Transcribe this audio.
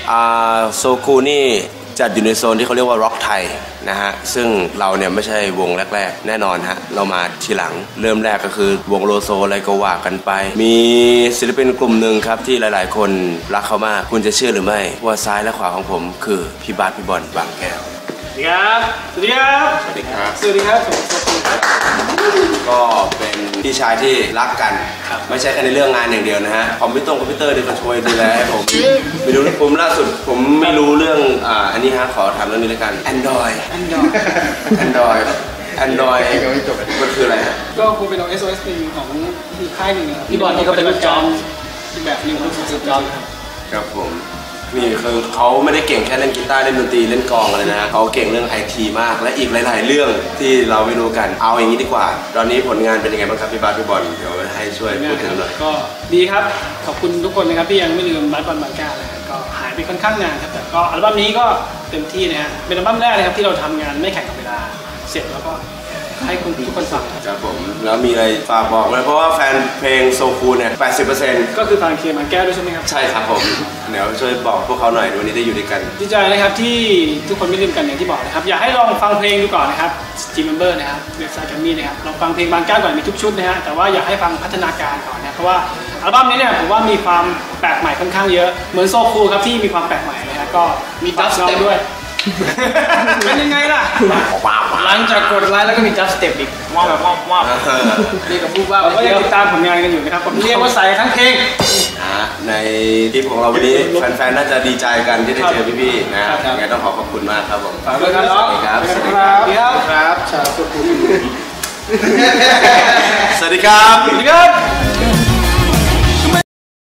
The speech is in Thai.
โซคูนี่จัดอยู่ในโซนที่เขาเรียกว่าร็อกไทยนะฮะซึ่งเราเนี่ยไม่ใช่วงแรกๆแน่นอนฮะเรามาทีหลังเริ่มแรกก็คือวงโลโซอะไรก็ว่ากันไปมีศิลปินกลุ่มหนึ่งครับที่หลายๆคนรักเขามากคุณจะเชื่อหรือไม่ว่าซ้ายและขวาของผมคือพี่บาสพี่บอลบางแก้วสวัสดีครับสวัสดีครับสวัสดีครับสวัสดีครับสวัสดีครับก็เป็นพี่ชายที่รักกันไม่ใช่แค่ในเรื่องงานอย่างเดียวนะฮะคอมพิวเตอร์ที่เขาช่วยดูแลให้ผมไปดูผมล่าสุดผมไม่รู้เรื่องอันนี้ฮะขอถามเรื่องนี้แล้วกัน Android มันคืออะไรฮะก็คงเป็น SOS หนึ่งของอีกค่ายหนึ่งครับพี่บอลนี่ก็เป็นลูกจอมอีกแบบหนึ่งของลูกจอมครับผมนี่คือเขาไม่ได้เก่งแค่เล่นกีตาร์เล่นดนตรีเล่นกลองอะไรนะเขาเก่งเรื่อง IT มากและอีกหลายๆเรื่องที่เราไม่รู้กันเอาอย่างนี้ดีกว่าตอนนี้ผลงานเป็นยังไงบ้างครับพี่บาสพี่บอลเดี๋ยวให้ช่วยพูดถึงหน่อยก็ดีครับขอบคุณทุกคนนะครับที่ยังไม่ลืมบาสบอลบางแก้วนะก็หายไปค่อนข้างนานครับแต่ก็อัลบั้มนี้ก็เต็มที่นะฮะเป็นอัลบั้มแรกเลยครับที่เราทำงานไม่แข่งกับเวลาเสร็จแล้วก็ให้ทุกคนฟังครับผมแล้วมีอะไรฝากบอกไหมเพราะว่าแฟนเพลงโซคูเนี่ย 80% ก็คือฟังเคลียร์บางแก้วด้วยใช่ไหมครับใช่ครับผมเดี๋ยวช่วยบอกพวกเขาหน่อยวันนี้ได้อยู่ด้วยกันดีใจนะครับที่ทุกคนไม่ลืมกันอย่างที่บอกนะครับอยากให้ลองฟังเพลงดูก่อนนะครับ G Member นะครับเว็บไซต์แกรมมี่นะครับลองฟังเพลงบางแก้วก่อนมีทุกชุดนะฮะแต่ว่าอยากให้ฟังพัฒนาการก่อนนะเพราะว่าอัลบั้มนี้เนี่ยผมว่ามีความแปลกใหม่ค่อนข้างเยอะเหมือนโซคูครับที่มีความแปลกใหม่นะฮะก็มีดับสเต็ปด้วยเป็นยังไงล่ะหลังจากกดไลค์แล้วก็มีจับสเต็ปอีกว้าวเรียกกับพูดว่าก็ยังติดตามผลงานกันอยู่นะครับผมเรียกว่าใส่ทั้งเพลงในคลิปของเราวันนี้แฟนๆน่าจะดีใจกันที่ได้เจอพี่ๆนะงั้นต้องขอบคุณมากครับผมสวัสดีครับสวัสดีครับสวัสดีครับชาวสุขุมสวัสดีครับสวัสดีครับ